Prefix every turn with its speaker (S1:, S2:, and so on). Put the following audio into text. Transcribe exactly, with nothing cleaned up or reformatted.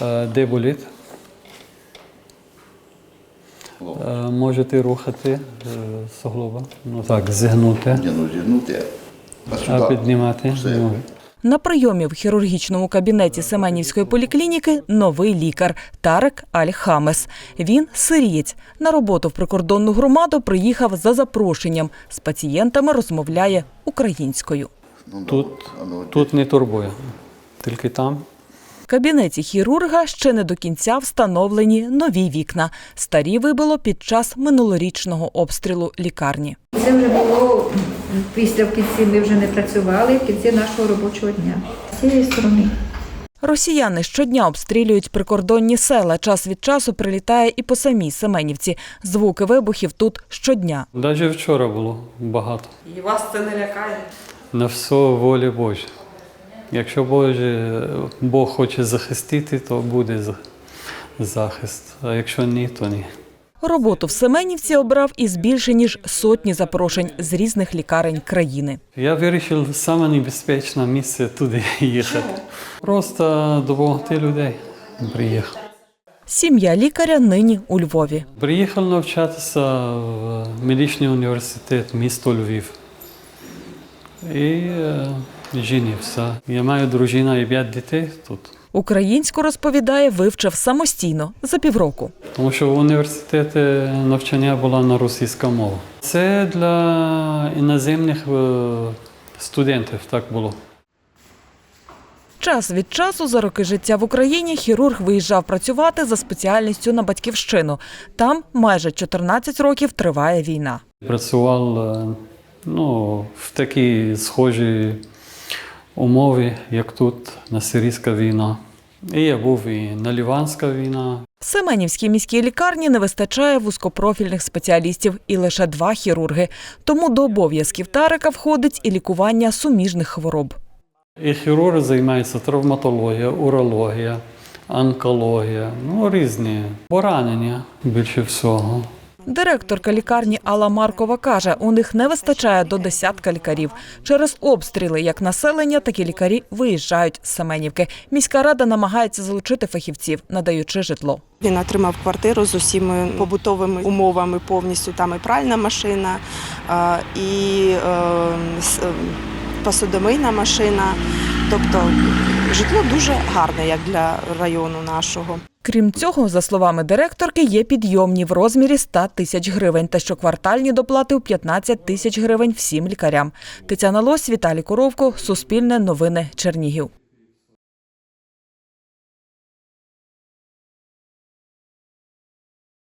S1: Де болить? Можете рухати суглоба. Ну так, зігнути.
S2: Ну, зігнути.
S1: А піднімати.
S3: На прийомі в хірургічному кабінеті Семенівської поліклініки новий лікар Тарек Аль-Хамес. Він сирієць. На роботу в прикордонну громаду приїхав за запрошенням. З пацієнтами розмовляє українською.
S1: Тут, тут не турбує, тільки там.
S3: В кабінеті хірурга ще не до кінця встановлені нові вікна. Старі вибило під час минулорічного обстрілу лікарні.
S4: Це вже було після, в кінці ми вже не працювали, в кінці нашого робочого дня. З цієї сторони.
S3: Росіяни щодня обстрілюють прикордонні села. Час від часу прилітає і по самій Семенівці. Звуки вибухів тут щодня.
S1: Навіть вчора було багато.
S3: І вас це не лякає?
S1: На все волі Божа. Якщо Боже, Бог хоче захистити, то буде захист. А якщо ні, то ні.
S3: Роботу в Семенівці обрав із більше ніж сотні запрошень з різних лікарень країни.
S1: Я вирішив саме небезпечне місце туди їхати. Просто допомогти людей приїхав.
S3: Сім'я лікаря нині у Львові.
S1: Приїхав навчатися в медичний університет місто Львів. І е, женився. Я маю дружину і п'ять дітей тут.
S3: Українську, розповідає, вивчив самостійно за півроку.
S1: Тому що в університеті навчання було на російська мова. Це для іноземних студентів так було.
S3: Час від часу за роки життя в Україні хірург виїжджав працювати за спеціальністю на батьківщину. Там майже чотирнадцять років триває війна.
S1: Працював ну, в такій схожій умові, як тут, на сирійська війна. І я був і на Ліванська війна.
S3: В Семенівській міській лікарні не вистачає вузькопрофільних спеціалістів і лише два хірурги. Тому до обов'язків Тарека входить і лікування суміжних хвороб.
S1: І хірург займається травматологія, урологія, онкологія, ну різні поранення більше всього.
S3: Директорка лікарні Алла Маркова каже, у них не вистачає до десятка лікарів. Через обстріли як населення, так і лікарі виїжджають з Семенівки. Міська рада намагається залучити фахівців, надаючи житло.
S5: Він отримав квартиру з усіма побутовими умовами повністю. Там і пральна машина, і посудомийна машина. Тобто житло дуже гарне, як для району нашого.
S3: Крім цього, за словами директорки, є підйомні в розмірі ста тисяч гривень та щоквартальні доплати у п'ятнадцять тисяч гривень всім лікарям. Тетяна Лось, Віталій Коровко, Суспільне новини, Чернігів.